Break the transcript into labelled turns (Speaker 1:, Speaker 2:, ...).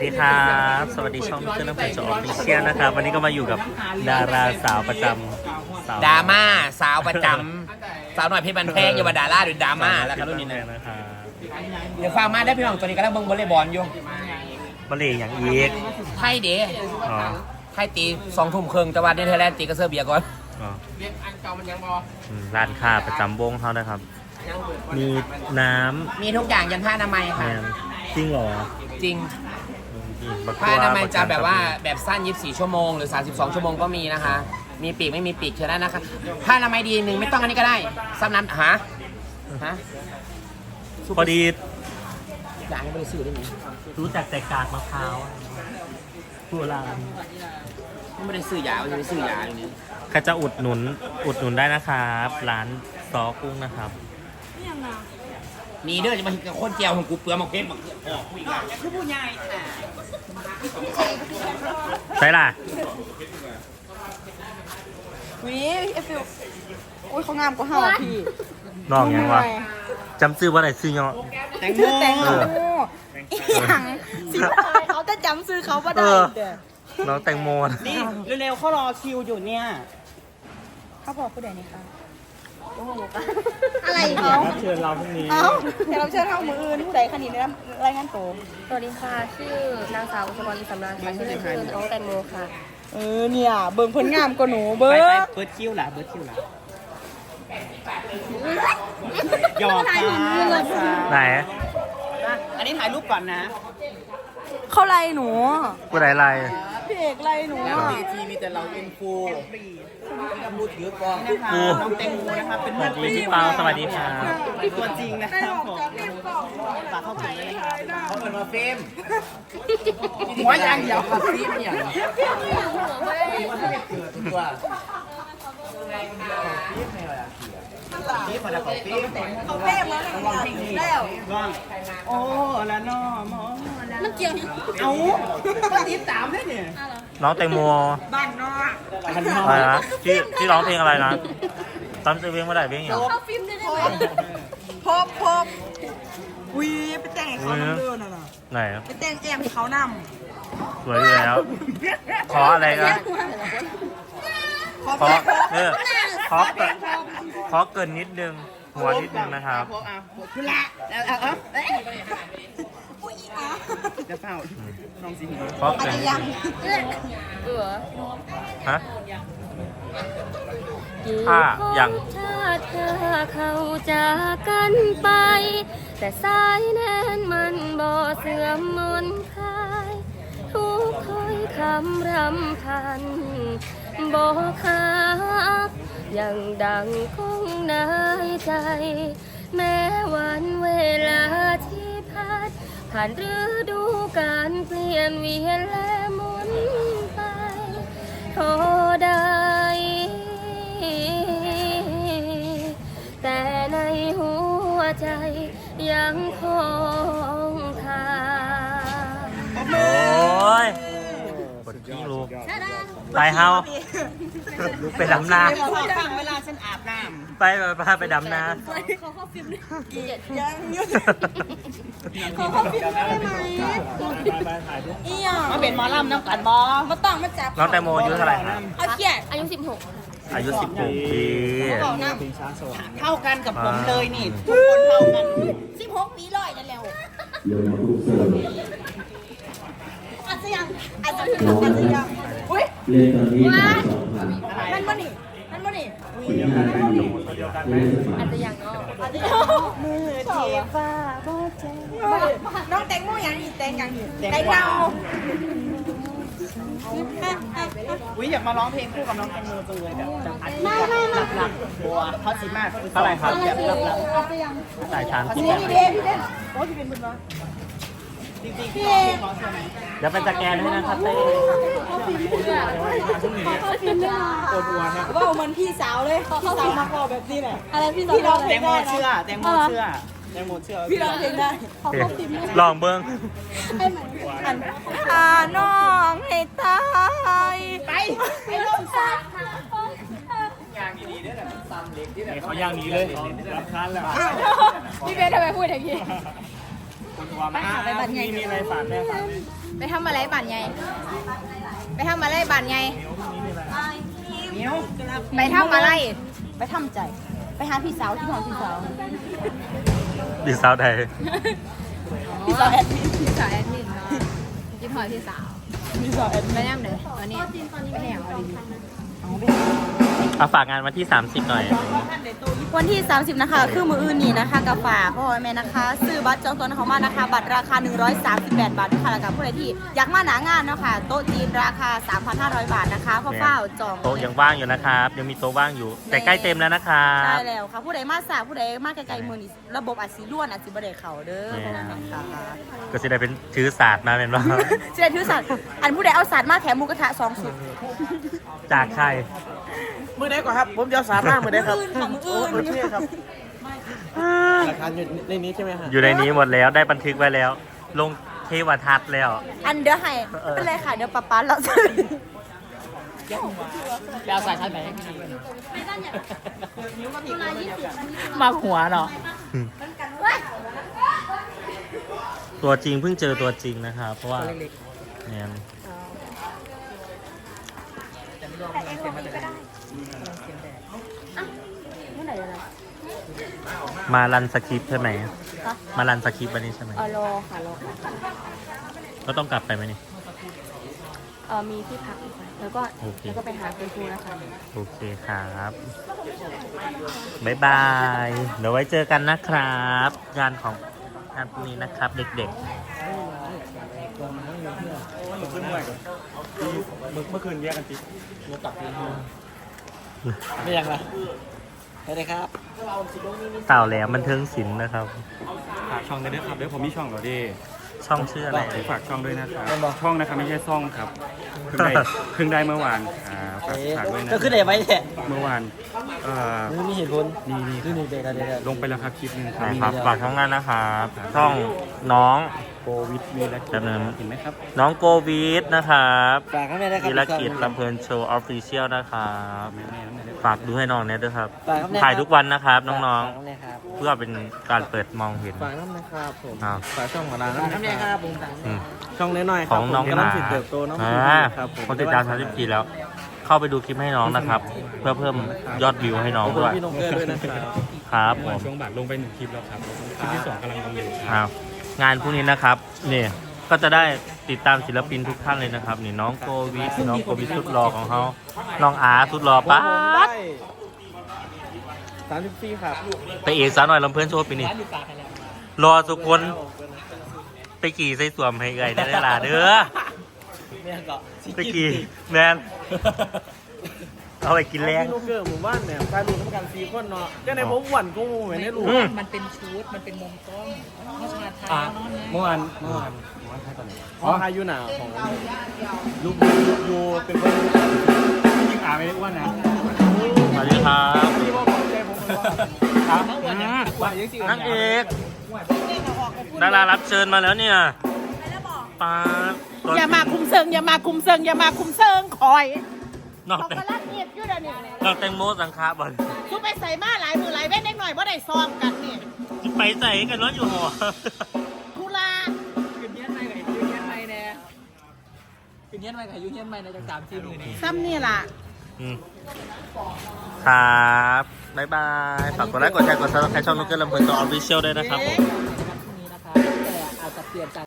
Speaker 1: สวัสดีครับสวัสดีช่องเจ้าน้ำเพชรออฟฟิเชียลนะครับวันนี้ก็มาอยู่กับดาราสาวประจำ
Speaker 2: ดราม่าสาวประจำสาวหน่อยเพชรบันแพงอย่ามาดาราหรือดราม่าแล้วครับรุ่นนี้
Speaker 1: นะครับ
Speaker 2: เดี๋ยวฟังมาได้พี่น้องตัวนี้ก็แล้วเบิ้งวอลเลย์บอลอยู่
Speaker 1: บอลเล่อย่างอีก
Speaker 2: ไทยเด้ไทยตี2 ทุ่มครึ่งแต่ว่าเนเธอร์แลนด์ตีกระเซอร์เบียก่อน
Speaker 1: ร้านค้าประจำวงเขานะครับมีน้ำ
Speaker 2: มีทุกอย่างยันผ้าอนามัยค่ะ
Speaker 1: จริงเหรอ
Speaker 2: จริงผ้าอนามัยจะแบบว่าแบบสั้น24 ชั่วโมงหรือ32 ชั่วโมงก็มีนะคะมีปีกไม่มีปีกเชิญได้นะคะผ้าอนามัยดีหนึ่งไม่ต้องอันนี้ก็ได้ซ้ำน้ำฮะ
Speaker 1: พอดี
Speaker 2: อยากให้บริสุทธิ์ได้ไหม
Speaker 1: รู้จักแต่กากมะพร้าวโบราณ
Speaker 2: ไม่ได้ซื้อยาไม่ได้ซื้อยาอย่างนี้
Speaker 1: ใครจะอุดหนุนได้นะครับร้านซอกุ้งนะครับ
Speaker 2: มีเด้อจะมาคนเจียวของกูเปลือกหมกเก็บหมกกูอีกแล้วคือผู้ใหญ่
Speaker 1: ใช่ล่ะ
Speaker 3: วิเอฟฟิวโอ้ยเขางามกว่าเฮาพี่
Speaker 1: น้องยังวะจำซื้อว่าไหนซื้อเนาะ
Speaker 3: แตงโมอีหยังสิเขาจะจำซื้อเขาบ่ได้
Speaker 1: น้องแตงโม
Speaker 2: นี่เร็วๆเขารอคิวอยู่เนี่ย
Speaker 3: เขาบอกผู้ใดนี่คะอะไรเขา
Speaker 1: เชิญเราพรุ่งนี้
Speaker 3: เดี๋ยวเราเชิญเฮามืออื่นผู้ใดคะนี่ได้รายงานตัว
Speaker 4: สวัสดีค่ะชื่อนางสาวอุศมรอิสำราญค่ะชื่อเล่นคือน้องแตงโมค่ะ
Speaker 3: เนี่ยเบิ่งผลงามกว่าหนูเบิ่ง
Speaker 2: เบิร์ดคิวล่ะหยอก
Speaker 1: ไหน
Speaker 2: อันนี้ถ่ายรูปก่อนนะ
Speaker 3: เขาไล่หนู
Speaker 1: ผู้ใดไล่
Speaker 3: พี่เอกไล่หนู
Speaker 2: เวทีมีแต่เราเป็นครูพูดถือกองนะคะน้องแตงโมนะคะเป็น
Speaker 1: พี่เปาสวัสดีค่ะ
Speaker 2: ตัวจริงนะครับผมฝากเข้าถึงเลยนะครับเขาเป็นมาเฟมหัวยังยาวกว่าซีมอย่างตัวนี่คนละของเฟม
Speaker 3: เขาเฟมแล้ว
Speaker 2: ร้องโอ้ละน้อมอ
Speaker 3: มันเกี่ยว
Speaker 2: เอาก็ติดตามได้เนี่ย
Speaker 1: น้องแตงโม
Speaker 3: บ้านนอก
Speaker 1: อะไรนะที่ร้องเพลงอะไรนะตามเพลงไม่ได้เพลงอย่าง
Speaker 3: เข้าฟิล์มได้ไหมพบวีไปแต่งเขาเดินน่ะ
Speaker 1: ไหน
Speaker 3: ไปแต่งแอมเขาน
Speaker 1: ำสวยอยู่แล้วขออะไรกันขอเกินนิดนึงหัวนิดนึงนะครับ
Speaker 2: คุณละจะเฝ้าน้องสิงห์
Speaker 1: ขอเกินฮะถ้าอย่าง
Speaker 4: เธอเขาจากกันไปแต่สายแน่นมันบ่เสื่อมมนคลายทุกถ้อยคำรำพันบ่ขาดยังดังคงในใจแม้วันเวลาที่ผ่านฤดูกาลเปลี่ยนเวียนและหมุนไปโทได้แต่ในหัวใจยังคงคา
Speaker 1: โอ้ยกดกิ้งลูกไปเฮาไปดำนา
Speaker 2: เวลาฉันอาบน้
Speaker 1: ำไปดำนา
Speaker 3: เขาเข้าฟิล์มยังยุ่งเขาเข้าฟิล์มได้ไหมอีหยัง
Speaker 2: มาเป็นหมอลำน้ำกันบอ
Speaker 3: มาต้องมาจับ
Speaker 1: น้องแตงโมอายุเท่าไหร่ครับ
Speaker 3: เอาเขียน
Speaker 4: อายุ16
Speaker 1: อายุ16 ปี
Speaker 2: เท่ากันกับผมเลยนี่ทุกคนเท่ากัน
Speaker 3: 16 ปีร้อยนั่นแล้วอาจจะยังอุ้ยมันบ่นี่
Speaker 4: อาจจะยัง
Speaker 3: มือที่ฟ้าบ่แจ้งน้องแตงโมอย่างนี้แตงอย่างนี้แตงเงา
Speaker 2: อยากมาร้องเพลงคู่กับน้องแตงโมจังเลยแบบจังอัดหลักบัวเขาสิมาก
Speaker 1: เท่าไหร่ครับ
Speaker 3: แบบหลัก
Speaker 1: สายชาน
Speaker 3: พี่เด่นโอ้พี่เป็นบุญวะ
Speaker 2: จริงๆพี่ร้องเพลงร้องใช่ไหม
Speaker 1: เดี๋ยวเป็นสแกนให้นะครับเต้
Speaker 3: ว่าเหมือนพี่สาวเลยพี่สาวมาขอแบบนี้แหละอะไรพี่สาว
Speaker 2: แตงโมเชื่อ
Speaker 3: พี่ร้องเพลงได้
Speaker 1: ลองเบิ้ง
Speaker 3: ให้เหมือนน้องให้ตายไปลงซะ
Speaker 2: ย่างดีๆด้วยแบบซ้ำเล็กที่แบบ
Speaker 1: เขาย่างนี้เลยรับคันแล้ว
Speaker 3: พี่เบสทำไมพูดอย่างนี้
Speaker 1: ไปหาไปบัตรไงมีอะไรฝากแม่ฝาก
Speaker 3: ไปทำอะไรบ้านใหญ่ไปทำอะไรบ้านใหญ่ไปทำอะไรไปทำใจไปหาพี่สาวที่ห้องพี่สาว
Speaker 1: ดีสาวไทย
Speaker 3: พี่สาวแอดมินพี่สาวแอดมินกินหอยพี่สาวพี่สาวแอดมินไปย่ำเด้อตอนนี้ไปแหวดี
Speaker 1: เอาฝากงานวันที่ 30 หน่อย
Speaker 3: วันที่ 30 นะคะ คือมืออื่นนี่นะคะกับฝากพ่อแม่นะคะ ซื้อบัตรจองตัวเขามานะคะ บัตรราคา 138 บาทด้วยค่ะแล้วกับผู้ใดที่อยากมาหนางานเนาะค่ะโต๊ะจีนราคา 3,500 บาทนะคะพ่อเฝ้าจอง
Speaker 1: โต๊ะยังว่างอยู่นะครับ ยังมีโต๊ะว่างอยู่ แต่ใกล้เต็มแล้วนะครับ
Speaker 3: ได้แล้วค่ะผู้ใดมาสายผู้ใดมาไกลๆมือนี่ระบบอาจสีล้วนอาจสีบไดเขาเด้อพ่อแม่ค่ะ
Speaker 1: ก็จะได้เป็นถือศาสตร์มาเป็นว่า
Speaker 3: เชิญทุกสัตว์อันผู้ใดเอาสัตว์มาแถมหมูกระทะ2 สุด
Speaker 1: จากใคร
Speaker 5: มือได้ก่อนครับ ผมจะสามารถมือได้ครับ
Speaker 3: มืออื่นค่ะมืออื่น
Speaker 5: โอเคครับหลักฐานอยู่ในนี้ใช่ไหมฮะ
Speaker 1: อยู่ในนี้หมดแล้วได้บันทึกไว้แล้ว ลงเทวทัศน์แล้ว
Speaker 3: อันเดี๋ยวให้เป็นไรค่ะเดี๋ยวป๊าป๊าเราจะ
Speaker 2: ไปเอาสายชาร์จแบต
Speaker 5: มาหัวเนาะ
Speaker 1: ตัวจริงเพิ่งเจอตัวจริงนะครับ เพราะว่าเนี่ยมารันสคริปต์ใช่ไหม มารันสคริปต์วันนี้ใช่ไหม
Speaker 3: รอค่ะรอ
Speaker 1: ก็ต้องกลับไปไหมนี่
Speaker 3: มีที่พักอีกค่ะแล้วก็
Speaker 1: โอเค
Speaker 3: แล้วก็ไปหาคุณครูนะคะ
Speaker 1: โอเคครับ บ๊ายบาย เดี๋ยวไว้เจอกันนะครับ งานของงานพรุ่งนี้นะครับ เด็ก
Speaker 5: เมื่อคืนแยกกันติงตักไม่ยังละไปเลยครับ
Speaker 1: ๆ เต่าแหลมบันเทิงศิลป์นะครับ
Speaker 6: ฝากช่องได้ด้วยครับเดี๋ยวผมมีช่องเหรอดิ
Speaker 1: ช่องชื่ออะไร
Speaker 6: ฝากช่องด้วยนะครับช่องนะครับไม่ใช่ซ่องครับเพิ่งได้เมื่อวานฝากด้วยนะ
Speaker 5: ก็ขึ้นไหนไว้แหละ
Speaker 6: เมื่อวาน
Speaker 5: มันมีเหตุผล
Speaker 6: นี่
Speaker 5: นี่เด็กอะไร
Speaker 6: ลงไปแล้วครับคลิปหนึงครับ
Speaker 1: นะครับฝากช่องงานนะครับ ช่องน้อง
Speaker 6: โควิดมีแล้ว
Speaker 1: จำเนิน
Speaker 6: เห็นไหมครับ
Speaker 1: น้องโกวีดนะครับ
Speaker 5: ฝากข้างในได้ครับ
Speaker 1: ธีรกิจลำเพลินโชว์ออฟฟิเชียลนะครับ
Speaker 6: แม่ๆๆ
Speaker 1: ฝากดูให้น้องเนี่ยด้วยครับ
Speaker 5: ฝากข้างใน
Speaker 1: ถ่ายทุกวันนะครับ น้อง
Speaker 5: ฝากข้างในครับ
Speaker 1: ๆ เพื่อเป็นการเปิดมองเห็น
Speaker 5: ฝากน้ำนะครับผม
Speaker 1: อ้าว
Speaker 5: ฝากช่องของร้านน้ำนะครับผม
Speaker 1: อืม
Speaker 5: ช่องน้อยๆค
Speaker 1: ข
Speaker 5: รับ
Speaker 1: อง
Speaker 5: ผม
Speaker 1: น้อง
Speaker 5: กำลังสิเติบโตน้อง ครับผม
Speaker 1: คนติดตาม34แล้ว เข้าไปดูคลิปให้น้องนะครับ เพื่อเพิ่มยอดวิวให้น้อง
Speaker 5: ขอบคุณ
Speaker 1: ด้วย
Speaker 5: พี่นงเกอร์ด้วยนะครับ
Speaker 1: ครับผ
Speaker 6: วัน
Speaker 1: ม
Speaker 6: ช่วงบ่ายลงไป1คลิปแล้วครับคลิปที่ 2กำลังลงอยู่ครับ
Speaker 1: อ้าวงานพรุ่งนี้นะครับนี่ก็จะได้ติดตามศิลปินทุกท่านเลยนะครับ นี่น้องโกวิทน้องโกวิทสุดหล่อของเขาน้องอาสุดหล่อป้า
Speaker 5: ผมได้34ครับ
Speaker 1: ไปเอกสาวหน่อยลำเพื่อนโชว์ปีนี้รอทุกคนไปขี่ใส่สวมให้ไงได้ล่ะเด้อ
Speaker 5: แม่ก็
Speaker 1: ไปขี่แมนเอาไปกินแรง
Speaker 5: พี่นงเกอร์หมู่บ้านเนี่ยใครรู้ต้องการ4คนเนาะก็ในผมหวั่นกูเหมือนในรู้
Speaker 7: มันเป็นชุด มันเป็นมุมกล้องเขาชาไทย
Speaker 6: อ่ะ
Speaker 7: เนาะเนี่ย
Speaker 6: เมื่อวานใครตอนไหน
Speaker 5: อ๋อพายุหนาวของลูกยูเป็นคน
Speaker 6: ยิ่งไม่ได้อ้วนนะ
Speaker 1: สวัสดีครับ
Speaker 5: ที่ว่าผมใจผมเลยว่า
Speaker 1: ครับนางเอกดารารับเชิญมาแล้วเนี่ยป้าตัว
Speaker 7: อย่ามาคุมเซิงอย่ามาคุมเซิงอย่ามาคุมเซิงคอย
Speaker 1: นอก
Speaker 7: เขา
Speaker 1: แต่
Speaker 7: กำลังเงียบอยู่เดี๋ยวนี้
Speaker 1: นอกแตงโมสังขาบอล
Speaker 7: ทุไปใส่มาหลายมือหลายเว้นเล็กหน่อยว่าได้ซ้อมกันนี่
Speaker 1: ไปใส่กันร้อนอยู่หอ
Speaker 7: ทุลา
Speaker 5: ขึ้นเงี้ยนไม่กับยูเงี้ยนไม่แน่ขึ้นเงี้ยนไม่กับยูเงี้ยนไม่ในจาก3-4 มือนี่
Speaker 7: ซ้ำนี่ล่ะ
Speaker 1: อืมครับบ๊ายบายฝากกดไลค์กดแชร์กดซับสไครต์ช่องนุ๊กเกอร์ลำเพลินตัวออฟฟิเชียลด้วยนะครับผม
Speaker 5: พรุ่งนี้นะครับแต่อาจจะเปลี่ยนจาก